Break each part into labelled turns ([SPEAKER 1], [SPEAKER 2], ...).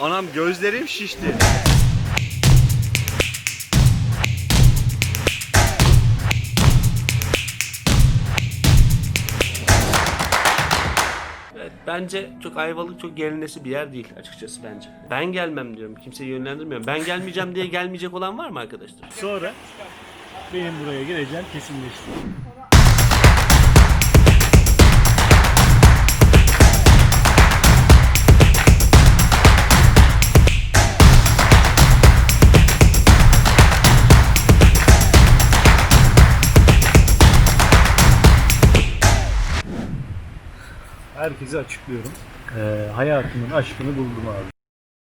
[SPEAKER 1] Anam gözlerim şişti. Evet, bence çok Ayvalık çok gelinesi bir yer değil açıkçası bence. Ben gelmem diyorum. Kimseyi yönlendirmiyorum. Ben gelmeyeceğim diye gelmeyecek olan var mı arkadaşlar?
[SPEAKER 2] Sonra benim buraya geleceğim kesinleşti. Herkese açıklıyorum. Hayatımın aşkını buldum abi.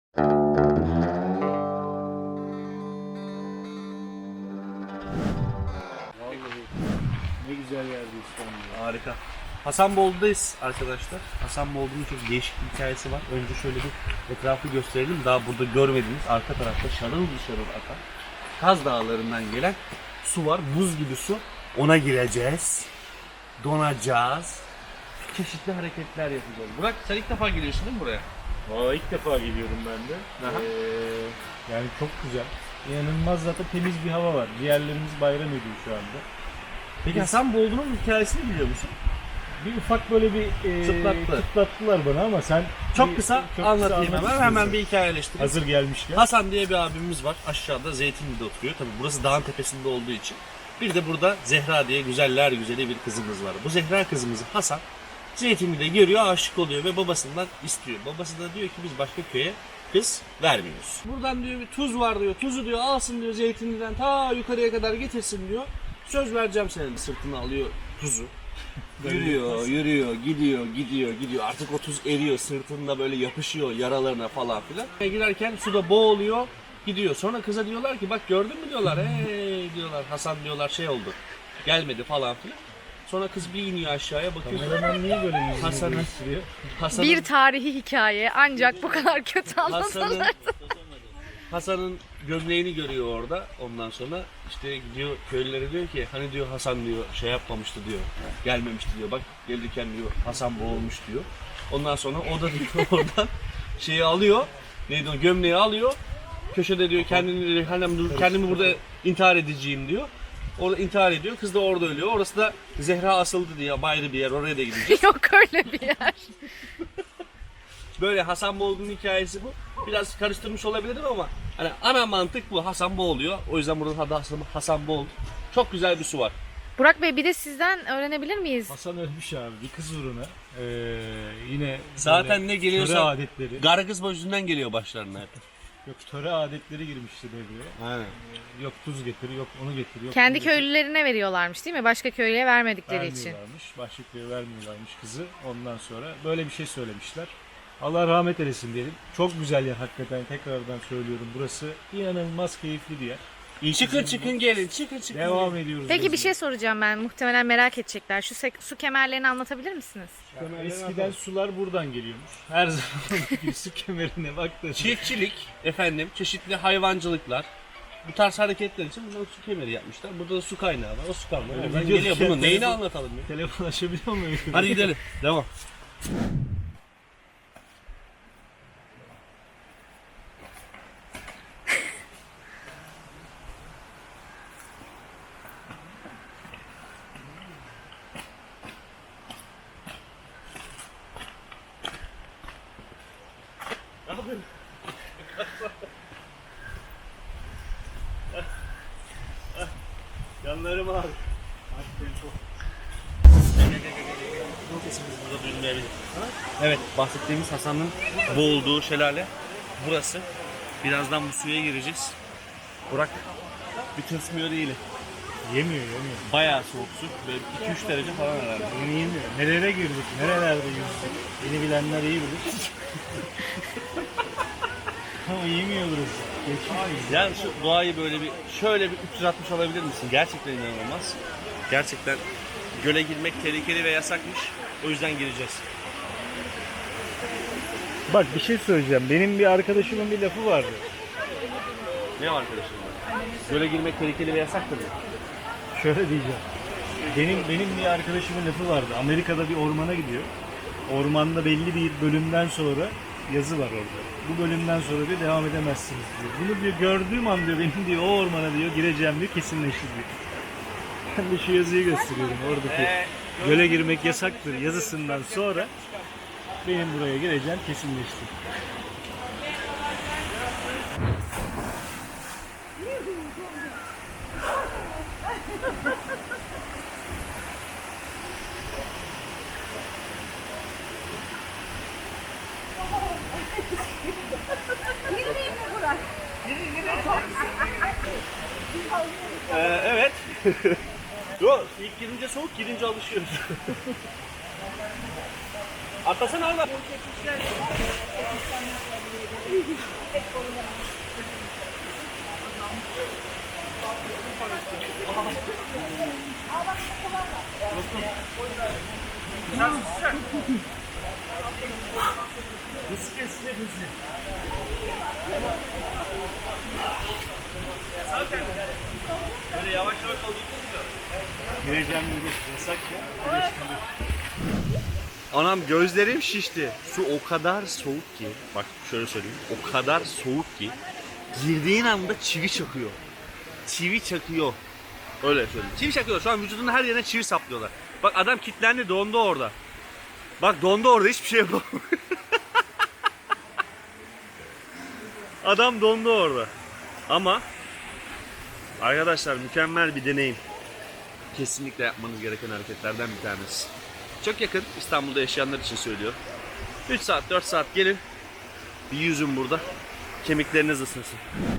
[SPEAKER 2] Vallahi ne güzel yerdeyiz şu anda.
[SPEAKER 1] Harika. Hasanboldu'dayız arkadaşlar. Hasanboldu'nun çok değişik bir hikayesi var. Önce şöyle bir etrafı gösterelim. Daha burada görmediğiniz arka tarafta şarıl şarıl akan Kaz Dağları'ndan gelen su var. Buz gibi su. Ona gireceğiz. Donacağız. Çeşitli hareketler yapacağız. Burak sen ilk defa geliyorsun değil mi buraya?
[SPEAKER 2] Valla ilk defa geliyorum ben de. Yani çok güzel. İnanılmaz zaten temiz bir hava var. Ciğerlerimiz bayram ediyor şu anda.
[SPEAKER 1] Peki Hasanboldu'nun hikayesini biliyor musun?
[SPEAKER 2] Bir ufak böyle bir çıtlattılar bana ama sen
[SPEAKER 1] Çok kısa anlatayım hemen bir hikayeleştireyim.
[SPEAKER 2] hazır gelmişken.
[SPEAKER 1] Hasan diye bir abimiz var. Aşağıda Zeytinli'de oturuyor. Tabii burası dağın tepesinde olduğu için. Bir de burada Zehra diye güzeller güzeli bir kızımız var. Bu Zehra kızımızı Hasan Zeytinli'de görüyor, aşık oluyor ve babasından istiyor. Babası da diyor ki biz başka köye kız vermiyoruz. Buradan diyor bir tuz var diyor. Tuzu diyor alsın diyor Zeytinli'den ta yukarıya kadar getirsin diyor. Söz vereceğim senin. Sırtına alıyor tuzu. Yürüyor, gidiyor. Artık o tuz eriyor, sırtında böyle yapışıyor yaralarına falan filan. Girerken suda boğuluyor, gidiyor. Sonra kıza diyorlar ki bak gördün mü diyorlar. Hey diyorlar, Hasan diyorlar şey oldu. Gelmedi falan filan. Sonra kız bir iniyor aşağıya bakıyor.
[SPEAKER 2] Kameraman niye böyle yüzünü
[SPEAKER 1] Hasan'ın-
[SPEAKER 2] değiştiriyor?
[SPEAKER 3] Bir tarihi hikaye ancak bu kadar kötü anlatılır.
[SPEAKER 1] Hasan'ın gömleğini görüyor orada. Ondan sonra işte gidiyor köylülere diyor ki hani diyor Hasan diyor şey yapmamıştı diyor. Gelmemişti diyor. Bak gelirken diyor Hasan boğulmuş diyor. Ondan sonra o da diyor oradan şeyi alıyor. Neydi o gömleği alıyor. Köşede diyor kendimi burada intihar edeceğim diyor. Orada intihar ediyor. Kız da orada ölüyor. Orası da Zehra asıldı diye ayrı bir yer. Oraya da gideceğiz.
[SPEAKER 3] Yok öyle bir yer.
[SPEAKER 1] Böyle Hasan Boğuldu'nun hikayesi bu. Biraz karıştırmış olabilirim ama hani ana mantık bu. Hasan boğuluyor. O yüzden buranın adı Hasan Boğuldu. Çok güzel bir su var.
[SPEAKER 3] Burak Bey bir de sizden öğrenebilir miyiz?
[SPEAKER 2] Hasan ölmüş abi bir kız uğruna. Yine
[SPEAKER 1] Zaten ne geliyorsa
[SPEAKER 2] töre adetleri.
[SPEAKER 1] Gargız yüzünden geliyor başlarına hep.
[SPEAKER 2] Yok töre adetleri girmişti devreye.
[SPEAKER 1] Aynen.
[SPEAKER 2] Yok tuz getir, yok onu getir, yok
[SPEAKER 3] Kendi
[SPEAKER 2] bunu getir.
[SPEAKER 3] köylülerine veriyorlarmış değil mi? Başka köylüye vermedikleri için.
[SPEAKER 2] Vermiyorlarmış. Başka köye vermiyorlarmış kızı. Ondan sonra böyle bir şey söylemişler. Allah rahmet eylesin diyelim. Çok güzel yer hakikaten tekrardan söylüyorum. Burası inanılmaz keyifli bir yer.
[SPEAKER 1] Çıkın gelin çıkın.
[SPEAKER 2] Devam ediyoruz.
[SPEAKER 3] Peki bir
[SPEAKER 2] yazın.
[SPEAKER 3] şey soracağım ben. Muhtemelen merak edecekler. Şu su kemerlerini anlatabilir misiniz?
[SPEAKER 2] Eskiden sular buradan geliyormuş. Her zaman bir su kemerine baktığında.
[SPEAKER 1] Çiftçilik efendim çeşitli hayvancılıklar. Bu tarz hareketler için buradan su kemeri yapmışlar. Burada da su kaynağı var. O su kaynağı. Oradan
[SPEAKER 2] video
[SPEAKER 1] geliyor.
[SPEAKER 2] düşen
[SPEAKER 1] Bunun neyini
[SPEAKER 2] telefon-
[SPEAKER 1] anlatalım ya?
[SPEAKER 2] Telefon açabiliyor muyum?
[SPEAKER 1] Hadi gidelim. Devam.
[SPEAKER 2] Yanlarım abi.
[SPEAKER 1] Sesimiz burada duyulmayabilir. Evet, bahsettiğimiz Hasan'ın boğulduğu şelale burası. Birazdan bu suya gireceğiz. Burak bir tırsmıyor değil.
[SPEAKER 2] Yemiyor.
[SPEAKER 1] Bayağı soğuk su. Böyle 2-3 derece falan herhalde.
[SPEAKER 2] Yemiyor. Nerelere girdik? Nerelerde yüzdük? Beni bilenler iyi bilir. Ama yemiyor burası. Geçmiş.
[SPEAKER 1] Yani şu doğayı böyle bir şöyle bir 360 alabilir misin? Gerçekten inanılmaz. Gerçekten göle girmek tehlikeli ve yasakmış. O yüzden gireceğiz.
[SPEAKER 2] Bak bir şey söyleyeceğim. Benim bir arkadaşımın bir lafı vardı.
[SPEAKER 1] Ne var arkadaşım? Göle girmek tehlikeli ve yasaktır mı?
[SPEAKER 2] Şöyle diyeceğim. Benim bir arkadaşımın lafı vardı. Amerika'da bir ormana gidiyor. Ormanda belli bir bölümden sonra yazı var orada. Bu bölümden sonra diyor devam edemezsiniz diyor. Bunu diyor gördüğüm an diyor benim diyor o ormana diyor gireceğim diyor kesinleşti diyor. Ben de şu yazıyı gösteriyorum oradaki göle girmek yasaktır yazısından sonra benim buraya gireceğim kesinleşti.
[SPEAKER 1] Evet. Yok, ilk girince soğuk, girince alışıyoruz. Atlasana Allah. Böyle yavaş yavaş
[SPEAKER 2] Gireceğim diyor yasak ya.
[SPEAKER 1] Anam gözlerim şişti. Su o kadar soğuk ki. Bak şöyle söyleyeyim. O kadar soğuk ki. Girdiğin anda çivi çakıyor. Çivi çakıyor. Öyle söyleyeyim. Çivi çakıyor. Şu an vücudunun her yerine çivi saplıyorlar. Bak adam kilitlendi, dondu orada. Bak dondu orada, hiçbir şey yapamıyor. Adam dondu orada. Ama arkadaşlar mükemmel bir deneyim. Kesinlikle yapmanız gereken hareketlerden bir tanesi. Çok yakın, İstanbul'da yaşayanlar için söylüyor. 3 saat 4 saat gelin. Bir yüzün burada. Kemikleriniz ısınsın.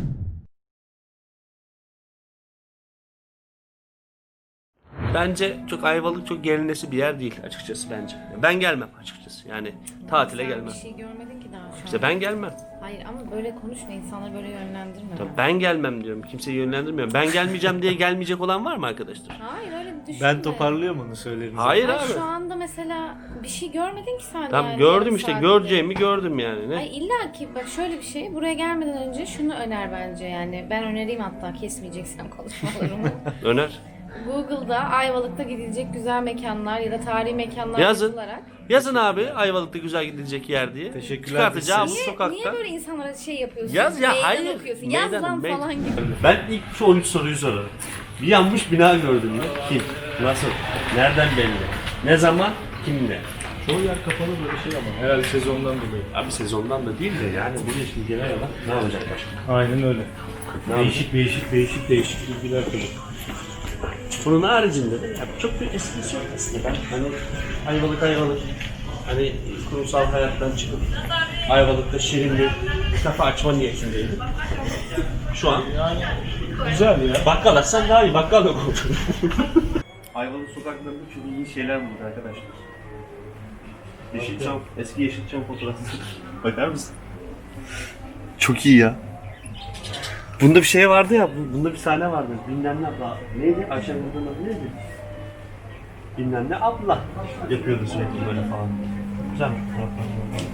[SPEAKER 1] Bence çok Ayvalık çok gelinesi bir yer değil açıkçası bence. Ben gelmem açıkçası. Yani tatile
[SPEAKER 4] Sen
[SPEAKER 1] gelmem.
[SPEAKER 4] bir şey görmedin ki daha şu an.
[SPEAKER 1] İşte ben gelmem.
[SPEAKER 4] Hayır ama böyle konuşma, insanları böyle yönlendirme.
[SPEAKER 1] Tabii ben gelmem diyorum. Kimseyi yönlendirmiyorum. Ben gelmeyeceğim diye gelmeyecek olan var mı arkadaşlar?
[SPEAKER 4] Hayır öyle bir düşünme.
[SPEAKER 2] Ben toparlıyorum onu söylerim.
[SPEAKER 1] Hayır
[SPEAKER 4] Ay,
[SPEAKER 1] abi.
[SPEAKER 4] şu anda mesela bir şey görmedin ki sen
[SPEAKER 1] Tamam
[SPEAKER 4] yani.
[SPEAKER 1] gördüm
[SPEAKER 4] yarım
[SPEAKER 1] işte.
[SPEAKER 4] saatte.
[SPEAKER 1] Göreceğimi gördüm yani. Ne?
[SPEAKER 4] Ay illa ki bak şöyle bir şey, buraya gelmeden önce şunu öner bence yani. Ben önereyim hatta, kesmeyeceksen konuşmalarımı.
[SPEAKER 1] Öner.
[SPEAKER 4] Google'da Ayvalık'ta gidilecek güzel mekanlar ya da tarihi mekanlar
[SPEAKER 1] Yazın.
[SPEAKER 4] yazılarak.
[SPEAKER 1] Yazın abi Ayvalık'ta güzel gidilecek yer diye.
[SPEAKER 2] Teşekkürler.
[SPEAKER 1] Çıkartacağım
[SPEAKER 4] Niye,
[SPEAKER 1] sokakta.
[SPEAKER 4] niye böyle insanlara şey yapıyorsun?
[SPEAKER 1] Yaz ya,
[SPEAKER 4] Meydan
[SPEAKER 1] hayır.
[SPEAKER 4] okuyorsun. Yaz
[SPEAKER 1] Meydan,
[SPEAKER 4] lan
[SPEAKER 1] meydan.
[SPEAKER 4] falan gibi.
[SPEAKER 1] Ben ilk şu 13 soruyu sorarım. Bir yanmış bina gördün mü? Kim? Nasıl? Nereden belli? Ne zaman? Kimle?
[SPEAKER 2] Çoğu yer kapalı böyle şey ama herhalde sezondan dolayı.
[SPEAKER 1] Abi sezondan da değil de yani buraya şimdi genel olarak ne olacak başka?
[SPEAKER 2] Aynen öyle.
[SPEAKER 1] Ne
[SPEAKER 2] Değişik bilgiler tabii.
[SPEAKER 1] Bunun haricinde de ya çok bir esprisi yok aslında. Ben hani Ayvalık hani kurumsal hayattan çıkıp Ayvalık'ta şirin bir kafe açma niyetindeydim. Şu an
[SPEAKER 2] Yani güzel ya.
[SPEAKER 1] bakkal açsam daha iyi, bakkal yok oldu. Ayvalık sokaklarında çok iyi şeyler bulduk arkadaşlar. Yeşilçam, eski Yeşilçam fotoğrafları. Bakar mısın? Çok iyi ya. Bunda bir şey vardı ya, bunda bir sahne vardı. Bilmem ne abla. Neydi? Ayşe Nur'un adı neydi? Bilmem ne abla. Yapıyordu sürekli böyle falan. Güzel bir fotoğraflar.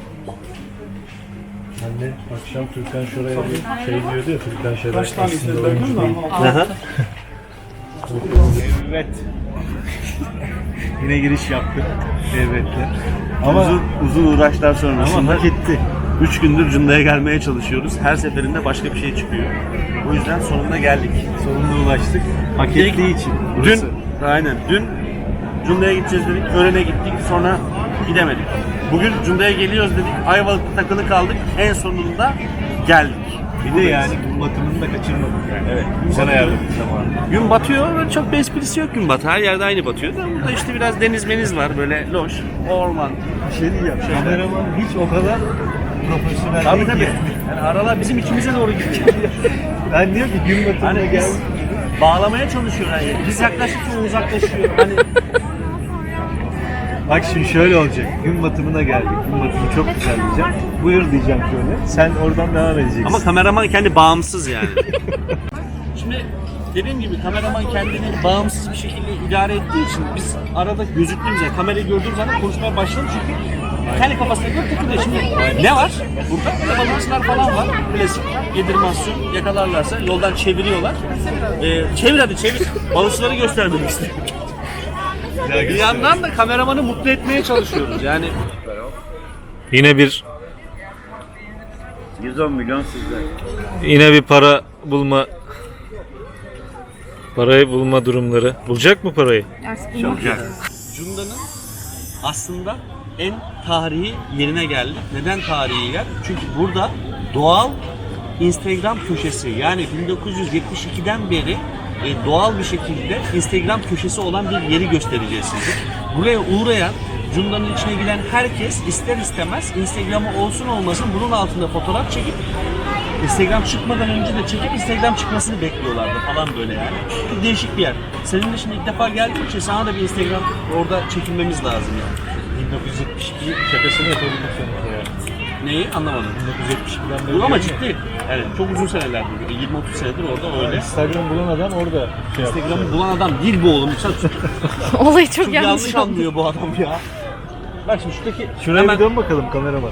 [SPEAKER 2] Anne akşam Türkan Şoray'a bir şey diyordu ya, Türkan Şoray
[SPEAKER 5] Kaç tane
[SPEAKER 2] aslında
[SPEAKER 5] izledin
[SPEAKER 2] oyuncu
[SPEAKER 5] mi?
[SPEAKER 2] değil.
[SPEAKER 1] Aha.
[SPEAKER 2] Evet. Yine giriş yaptık. Evet. Ama
[SPEAKER 1] Uzun uğraşlar sonrasında
[SPEAKER 2] hak etti.
[SPEAKER 1] 3 gündür Cunda'ya gelmeye çalışıyoruz. Her seferinde başka bir şey çıkıyor. O yüzden sonunda geldik.
[SPEAKER 2] Sonunda ulaştık. Hak
[SPEAKER 1] İlk-
[SPEAKER 2] ettiği için. Burası.
[SPEAKER 1] Dün Cunda'ya gideceğiz dedik. Öğlene gittik. Sonra gidemedik. Bugün Cunda'ya geliyoruz dedik. Ayvalık'ta takılı kaldık. En sonunda geldik.
[SPEAKER 2] Bir de yani gün batımını da kaçırmadık yani. Evet. Güzel ayarladık zamanı.
[SPEAKER 1] Gün batıyor. Böyle çok bir esprisi yok gün batı. Her yerde aynı batıyor. Da burada işte biraz deniz meniz var. Böyle loş. Orman.
[SPEAKER 2] Bir şey diyeceğim. Kameraman hiç o kadar profesyonel
[SPEAKER 1] Tabii
[SPEAKER 2] değil
[SPEAKER 1] tabii.
[SPEAKER 2] ki.
[SPEAKER 1] Yani aralar bizim içimize doğru gidiyor.
[SPEAKER 2] Ben diyor ki gün batımına
[SPEAKER 1] Hani
[SPEAKER 2] gel.
[SPEAKER 1] bağlamaya çalışıyorlar yani. Biz yaklaştıkça uzaklaşıyor. Hani
[SPEAKER 2] Bak şimdi şöyle olacak. Gün batımına geldik. Gün batımı çok güzel diyeceğim. Buyur diyeceğim şöyle. Sen oradan devam edeceksin.
[SPEAKER 1] ama kameraman kendi bağımsız yani. Şimdi dediğim gibi kameraman kendini bağımsız bir şekilde idare ettiği için biz arada gözüktüğümüz zaman, kamerayı gördüğümüz zaman konuşmaya başladım çünkü kendi kafasına göre takılıyor. Şimdi ne var? Burada balanslar falan var. Klasik yedirmasyon yakalarlarsa yoldan çeviriyorlar. Çevir hadi çevir. Balıkçıları göstermek istiyorum. Bir yandan da kameramanı mutlu etmeye çalışıyoruz yani.
[SPEAKER 2] Yine bir
[SPEAKER 5] 110 milyon sizde.
[SPEAKER 2] Yine bir parayı bulma durumları. Bulacak mı parayı?
[SPEAKER 1] Cunda'nın aslında en tarihi yerine geldik. Neden tarihi yer? Çünkü burada doğal Instagram köşesi, yani 1972'den beri doğal bir şekilde Instagram köşesi olan bir yeri göstereceğiz size. Buraya uğrayan, Cunda'nın içine giren herkes ister istemez Instagram'ı olsun olmasın bunun altında fotoğraf çekip Instagram çıkmadan önce de çekip Instagram çıkmasını bekliyorlardı falan böyle yani. Çok değişik bir yer. Senin de şimdi ilk defa geldiğin için sana da bir Instagram orada çekilmemiz lazım yani.
[SPEAKER 2] 1972 şakasını yapabildik sonunda yani.
[SPEAKER 1] Neyi? Anlamadım.
[SPEAKER 2] 1972'den beri.
[SPEAKER 1] Bu ama ciddi. Yani çok uzun senelerdir. 20-30 senedir orada öyle.
[SPEAKER 2] Instagram bulan adam orada şey yaptı.
[SPEAKER 1] Instagram'ı bulan adam değil bu oğlum. Sen
[SPEAKER 3] Olayı çok
[SPEAKER 1] çok
[SPEAKER 3] yanlış
[SPEAKER 1] yanlış
[SPEAKER 3] oldu.
[SPEAKER 1] anlıyor bu adam ya. Bak şimdi şuradaki
[SPEAKER 2] Şuraya
[SPEAKER 1] hemen
[SPEAKER 2] bir dön bakalım kameraman.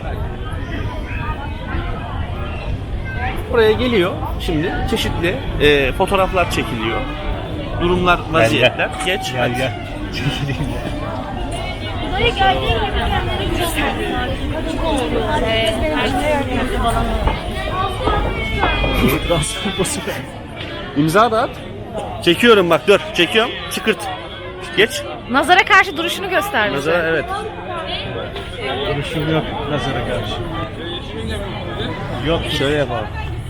[SPEAKER 1] buraya geliyor. Şimdi çeşitli fotoğraflar çekiliyor. Durumlar, vaziyetler. Geç.
[SPEAKER 2] Gel gel. Çekileyim ya.
[SPEAKER 4] Buraya geldiğim gibi kendini gösterdiler. Açık oldu.
[SPEAKER 1] İmza da at. Çekiyorum bak dur. Çekiyorum. Çıkırt. Geç.
[SPEAKER 3] Nazara karşı duruşunu göster bize.
[SPEAKER 1] Nazara evet.
[SPEAKER 2] Duruşum yok nazara karşı. Yok
[SPEAKER 1] Şöyle yapalım.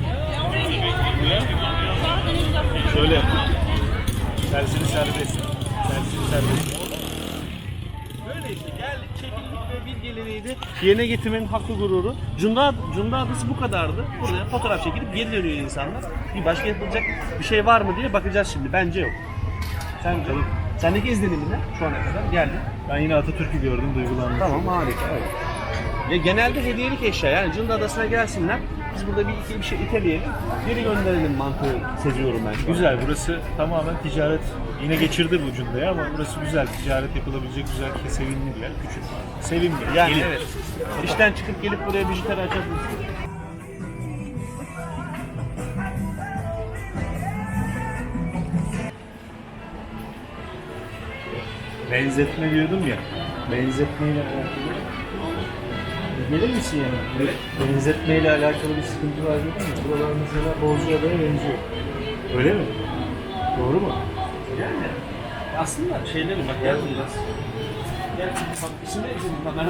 [SPEAKER 2] şöyle yap. Tersini serbest. Tersini serbest.
[SPEAKER 1] Böyle işte geldik, çekildik ve bir geleneğiydi. Yerine getirmenin hakkı gururu. Cunda Adası bu kadardı. Buraya fotoğraf çekilip geri dönüyor insanlar. Bir başka yapılacak bir şey var mı diye bakacağız şimdi. Bence yok. Sendeki izlenimin ne şu ana kadar? Geldin.
[SPEAKER 2] Ben yine Atatürk'ü gördüm, duygulandım.
[SPEAKER 1] Tamam harika. Evet. Ya genelde hediyelik eşya, yani Cunda Adası'na gelsinler. Biz burada bir şey iteleyelim, geri gönderelim mantığı seziyorum ben. Şu an.
[SPEAKER 2] Güzel, burası tamamen ticaret. Yine geçirdi bu Cunda'yı ama burası güzel. Ticaret yapılabilecek güzel, sevimli bir yer. Küçük. Sevimli.
[SPEAKER 1] Yani
[SPEAKER 2] Gelin.
[SPEAKER 1] evet. İşten çıkıp gelip buraya bijuteri açabilirsin.
[SPEAKER 2] Benzetme diyordum ya. Benzetmeyle alakalı. Gelir misin yani? Benzetmeyle alakalı bir sıkıntı var değil mi? Buralar mesela Bozcaada'ya benziyor. Öyle mi? Doğru mu?
[SPEAKER 1] Yani aslında şeyleri bak gel biraz. Gel bak içinde izledim kamera.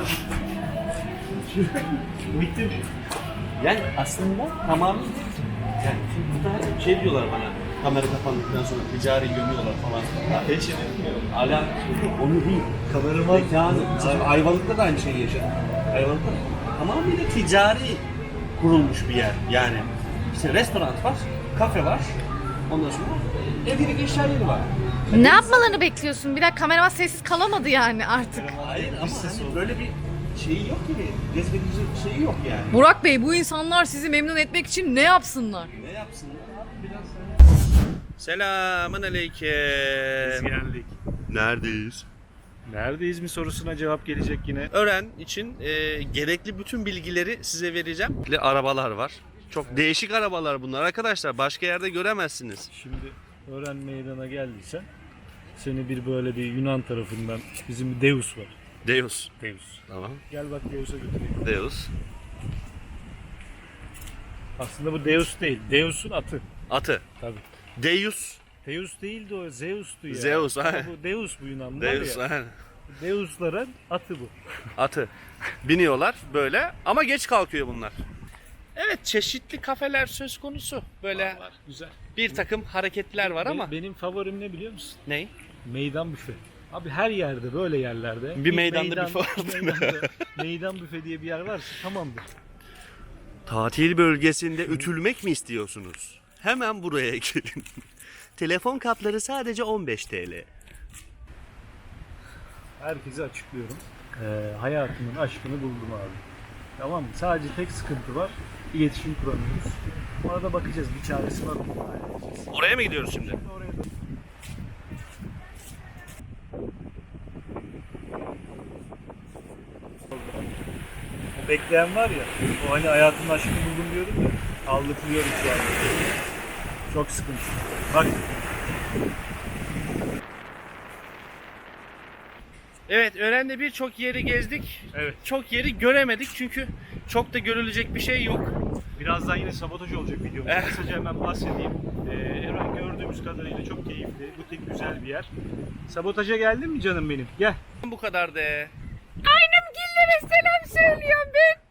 [SPEAKER 1] Bitti. Yani aslında tamamen yani şimdi burada şey diyorlar bana kamera kapandıktan sonra ticari gömüyorlar falan. Hiç ala onu değil.
[SPEAKER 2] Kameraman
[SPEAKER 1] Mekanı, Ayvalık'ta da aynı şeyi yaşadım. Ayvalık'ta tamamıyla ticari kurulmuş bir yer. Yani işte restoran var, kafe var. Ondan sonra evlilik eşya yeri var.
[SPEAKER 3] Ne yapmalarını bekliyorsun? Bir dakika kameraman sessiz kalamadı yani artık.
[SPEAKER 1] Hayır ama hani böyle bir şeyi yok gibi. Cezbedici şeyi yok yani.
[SPEAKER 3] Burak Bey, bu insanlar sizi memnun etmek için ne yapsınlar?
[SPEAKER 1] Ne yapsınlar abi biraz. Selamun aleyküm.
[SPEAKER 2] geldik.
[SPEAKER 1] Neredeyiz?
[SPEAKER 2] Neredeyiz mi sorusuna cevap gelecek yine.
[SPEAKER 1] Öğren için gerekli bütün bilgileri size vereceğim. Arabalar var. Çok değişik arabalar bunlar arkadaşlar. Başka yerde göremezsiniz.
[SPEAKER 2] Şimdi Ören Meydan'a geldiysen seni bir böyle bir Yunan tarafından bizim bir Deus var.
[SPEAKER 1] Deus.
[SPEAKER 2] Deus.
[SPEAKER 1] Tamam.
[SPEAKER 2] Gel bak Deus'a götüreyim.
[SPEAKER 1] Deus.
[SPEAKER 2] Aslında bu Deus değil. Deus'un atı.
[SPEAKER 1] Atı.
[SPEAKER 2] Tabii.
[SPEAKER 1] Deus.
[SPEAKER 2] Deus değildi o. Zeus'tu ya.
[SPEAKER 1] Zeus,
[SPEAKER 2] Ama
[SPEAKER 1] aynen.
[SPEAKER 2] bu Deus bu Yunanlar
[SPEAKER 1] Deus.
[SPEAKER 2] ya.
[SPEAKER 1] aynen.
[SPEAKER 2] Deus'ların atı bu.
[SPEAKER 1] Atı. Biniyorlar böyle ama geç kalkıyor bunlar. Evet, çeşitli kafeler söz konusu. Böyle
[SPEAKER 2] Güzel.
[SPEAKER 1] bir takım hareketler var ama.
[SPEAKER 2] Benim favorim ne biliyor musun?
[SPEAKER 1] Ney?
[SPEAKER 2] Meydan büfe. Abi her yerde böyle yerlerde.
[SPEAKER 1] Bir meydanda büfe var, değil mi?
[SPEAKER 2] Meydan büfe diye bir yer varsa tamamdır.
[SPEAKER 1] Tatil bölgesinde ütülmek mi istiyorsunuz? Hemen buraya gelin. Telefon kapları sadece 15 TL.
[SPEAKER 2] Herkese açıklıyorum. Hayatımın aşkını buldum abi. Tamam mı? Sadece tek sıkıntı var. İletişim kuramıyoruz. Ona da bakacağız. Bir çaresi var mı? Halledeceğiz.
[SPEAKER 1] Oraya mı gidiyoruz şimdi?
[SPEAKER 2] Oraya da... O bekleyen var ya, o hani hayatımın aşkını buldum diyorum ya, aldatılıyorum şu an. Çok sıkıntı. Bak.
[SPEAKER 1] Evet, Ören'de birçok yeri gezdik.
[SPEAKER 2] Evet.
[SPEAKER 1] Çok yeri göremedik çünkü çok da görülecek bir şey yok.
[SPEAKER 2] Birazdan yine sabotaj olacak videomuz. Kısaca hemen bahsedeyim. Eren gördüğümüz kadarıyla çok keyifli, butik güzel bir yer. Sabotaja geldin mi canım benim? Gel.
[SPEAKER 1] Bu kadar de.
[SPEAKER 3] Aynım gillere selam söylüyorum ben.